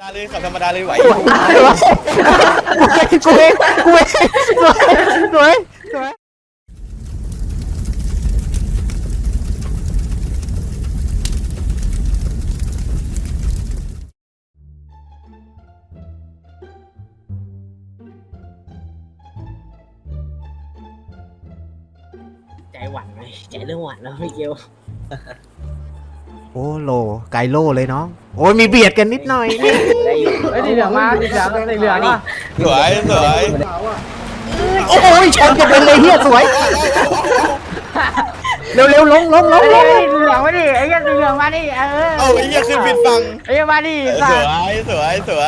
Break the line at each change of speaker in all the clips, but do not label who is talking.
เลยขับธรรมดาเลยไหว
กูเองสวย
ใจหวั่นเลยใจเริ่มหวั่นแล้วพี่เกล
โอ้โลไกโลเลยน้องโอ้ยมีเบียดกันนิดหน่อยนี่
ได้อยู่
ไอ้สีเหลืองมาสีเหลืองสีเหลืองอ่ะ
สวย
โอ้ยชนกันเลยเฮียสวยเร็วลง
ไอ้สีเหลืองมาดิไอ้สีเหลืองมาดิ
เอาไอ้เหี้ยขึ้นผิดฝั่ง
ไอ้มาดิ
สว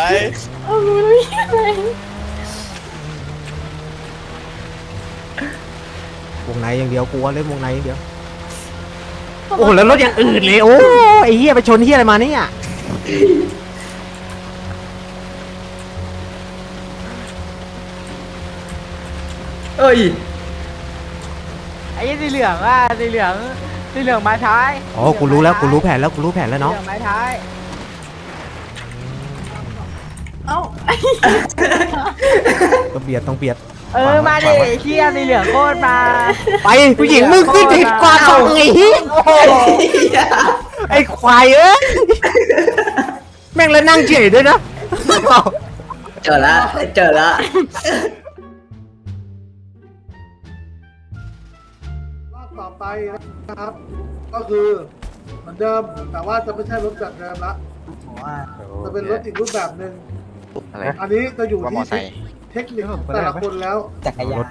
ยว
งในอย่างเดียวกลัวเล่นวงในอย่างเดียวโอ้แล้วรถอย่างอื่นเลยโอ้ไอ้เฮียไปชนเฮียอะไรมาเนี่ย
เอ้ย
ไอ้สีเหลืองอ่ะสีเหลืองมาท้าย
อ๋อกูรู้แล้วแผนแล้วน้อง
สีเหลืองมาท้าย
ต้องเบียด
มาดิเชี่ยสีเหลืองโคตรมา
ไปผู้หญิงมึงขึ้นผิดกว่าเขาไงเฮียไอ้ควายเอ้ยแม่งแล้วนั่งเฉยด้วยนะ
เจอละ
รอบต่อไปนะครับ ก็คือเหมือนเดิมแต่ว่าจะไม่ใช่รถแบบเดิมละจะเป็นรถอีกรูปแบบหนึ่งอันนี้จะอยู่ที่เทคนิคของแต่ละคนแล้ว
จักรยาน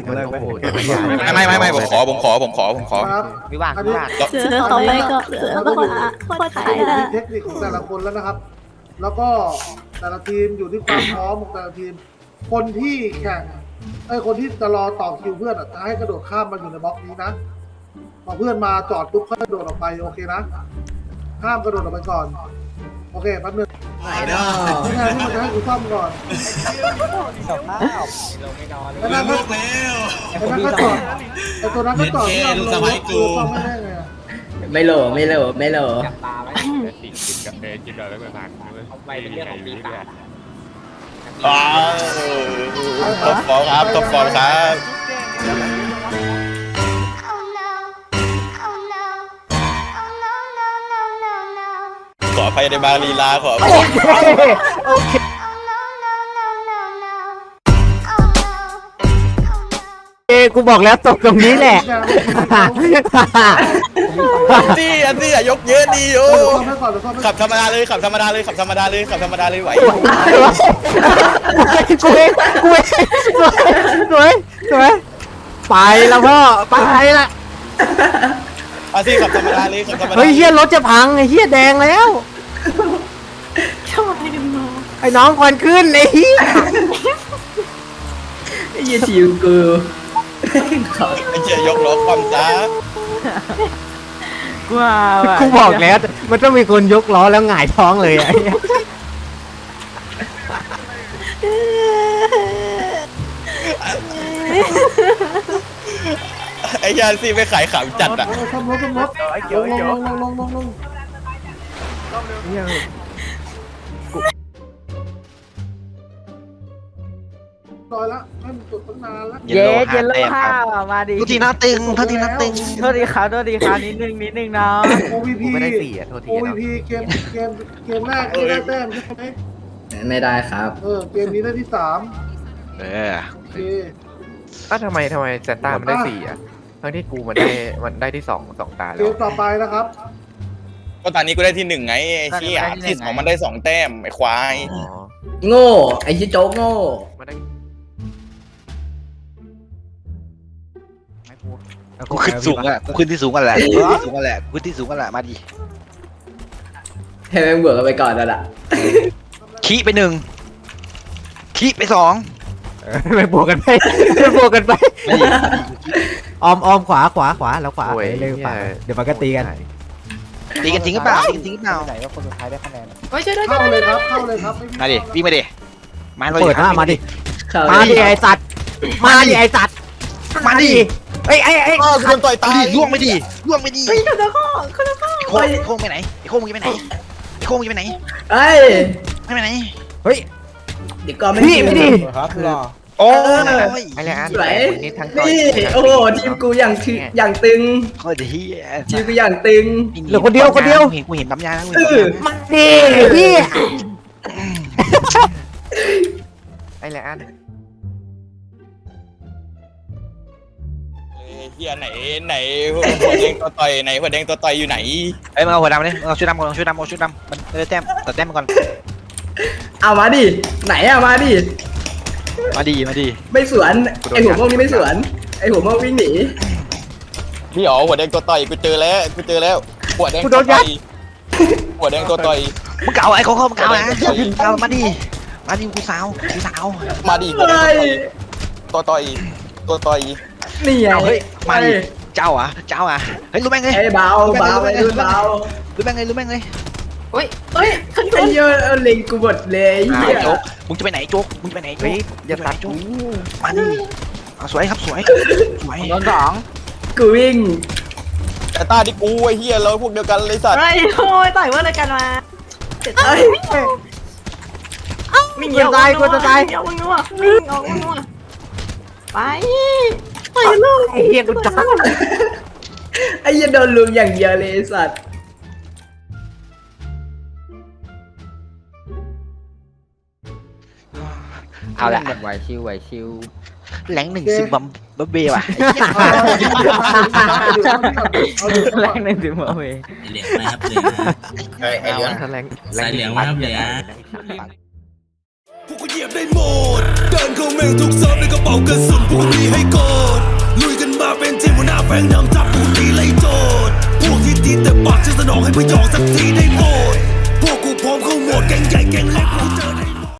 ไม่ผมขอ
ครับ
วิวาท
อันนี้
เสือต่อไปก็เสือต้องมาโคตรขาย
อยู่
ละ
ที่เทคนิคของแต่ละคนแล้วนะครับ แล้วก็แต่ละทีมอยู่ที่ความพร้อมของแต่ละทีม คนที่แข่งคนที่จะรอต่อคิวเพื่อนจะให้กระโดดข้ามมาอยู่ในบล็อกนี้นะพอเพื่อนมาจอดปุ๊บค่อยกระโดดออกไปโอเคนะห้ามกระโดดออกไปก่อนโอเคแป๊บนึง
ไหนเนาะ
ไม่ใช่ที่มันจะให้กูซ่อมก่อน
ไม่นอนเลย
ไอ้นั่นก็จอดไอ้ตัวนั้นก็จอดที่เราลงรถกูซ่อมไม่ได้ไงอะ
ไม่โหล
จับตาไว้
กินแล้วไม่ผ่าน
เอาไปเป็นเรื่องของปีศาจ
ท็อปฟอร์ครับ ขออภัยในบางลีลาขออภัย
โอเคกูบอกแล้วตกตรงนี้แหละ
อันนี้อย่ายกเยอะดีโอ้
ซ่อมให้ก่อนเดี๋ยวซ่อมให้
ขับธรรมดาเลยไหว
กูเองสวยไปแล้วพ่อไปละ
อาซี่ขับธรรมดาเลย
เฮ้ยเฮียรถจะพังไอ้เฮียแดงแล้ว
ชอบให้ดูน้อง
ไอ้น้องควันขึ้นไอ้เฮีย
ไอ้ยี่ทีมกู
ไอ้เจี๊ยยกล้อความช้า
กูบอกแล้วมันต้องมีคนยกล้อแล้วหงายท้องเลยไอ้เหี้ย
ไอ้ยานซี่ไม่ขายขำจัดอ่ะ
ซ่อมรถลงต่อยละให้มันจุดตั้งนานละ
เย้เจนเลิกข้าวมาดิ
ทุกทีน่าตึง
โทษดีครับนิดนึงเนาะ
OVP
ไม่ได้4อ่ะโทษที
OVP เกมแรกที่ได้แต้มใช่ไหม
ไม่ได้ครับ
เกมนี้ได้ที่3โอเค
ทำไมเซนต้ามันได้4อ่ะทั้งที่กูมันได้ที่2ตา
เก
แล้ว
มต่อไปนะครับ
ก็ตอนนี้กูได้ที่1ไงไอ้เชี่ยที่2มันได้2แต้มไอ้ควาย
โง่ไอ้ชิโจ๊กโง่
มันได้
กูขึ้นสูงอ่ะกูขึ้นที่สูงกันแหละกูขึ้นที่สูงกันแหละมาดิ
ให้แม่งเบื่อกันไปก่อนนั่นแหละ
ขี้ไปขี้ไป
ไม่บวกกันไปออมขวาแล้วขวาเร็วขวาเดี๋ยวมันก็ตีกัน
ตีกันจริงหรือเปล่า
ไหนว่าคนสุดท้ายได้คะแนน
ช่วยด้วย
เข้าเลยครับ
มาดิวิ่งมาดิ
เปิดหน้ามาดิ
มาดิ
ไอ้สัตว์มาดิไอ้
คนต่อยตาย
ล่วงไปดิ
เฮ้ยคุณพ่อ
ไอ้โค้งไปไหนไอ้โค้งมึงไปไหน
เอ้ย
ไม่ไปไหน
เฮ้ย
เดี๋ยวก่อนไม่
พี่ไม่ดี
โอ้ย
ไอ้เลยอัน
สวย
นี่ทั้งต่อย
นี่โอ้โหทีมกูอย่างตึง
โคตรเฮีย
ทีมกูอย่างตึง
เหลือคนเดียวคนเดียว
กูเห็นปั๊มยาแล้ว
มาดิพี่
ไอ้เลยอัน
เฮียไหนหัวแดงตัวต่อยไหนหัวแดงตัวต่อยอยู่ไหน
เอ้ยมึงเอาหัวดำเลยเอาชุดดำก่อนเอาชุดดำมันได้แต้มตัดแต้มมาก่อน
เอามาดิไหนอะมาดิ
มาดี
ไม่สวนไอหัวม่วงนี่ไม่สวนไอหัวม่วงวิ่งหนี
พี่อ๋อหัวแดงตัวต่อยกูเจอแล้วหัวแดงตัวต่อยหัวแดงตัวต่อย
มึงเก่าไอ้เขามึงเก่านะเก่ามาดิกูสาว
มาดิหัวแดงตัวต่อย
นี่ไง
เฮ้ยมาดิเจ้าอ่ะเฮ้ยรู้แม่งเลย
ไอ้เบาไอ้รุ่นเบา
รู้แม่งเลย
เฮ้ยเฮ้ยขึ้น
ไอ้เยอะเล็งกูหมดเลยเหี้ย
โจ๊กมึงจะไปไหนโจ๊ก
เฮ้ยอย่าตัดกู
มาดิสวยครับสวย
โดนสอง
กูวิ่ง
แต่ตาดิกูไอ้เฮียเราพวกเดียวกันเลยสัตว์
เฮ้ยโอ้ยต่อยว่าอะไรกันมาเจ็บ
เอ้ย
วิ่งเดียววิ่งออกวิ่งนัวไปไปลูก
ไอ้เหี้ยกูจ้า
ไอ้เหี้ยโดนลุมอย่างเดียวเลยไอ้สัตว์
เอาละ
ไหวชิว
แหลง110บัมบับเบ้ว่ะ
แรงหนึ่งถึงมาเว้ย
เหลืองนะครับเหลือง
ไอ้เหลืองแรง
สายเหลืองนะครับเหลือง
พวกกูเหยียบได้หมดเดินเข้าเมืองทุกเซิร์ฟในกระเป๋ากระสุนพวกกูมีให้กดลุยกันมาเป็นทีมหัวหน้าแฟงนำทัพพวกตีไล่โจดพวกที่ตีแต่ปากจะสนองให้พยองสักทีได้หมดพวกกูพร้อมเข้าหมดแกงใหญ่แกงเล็กพวก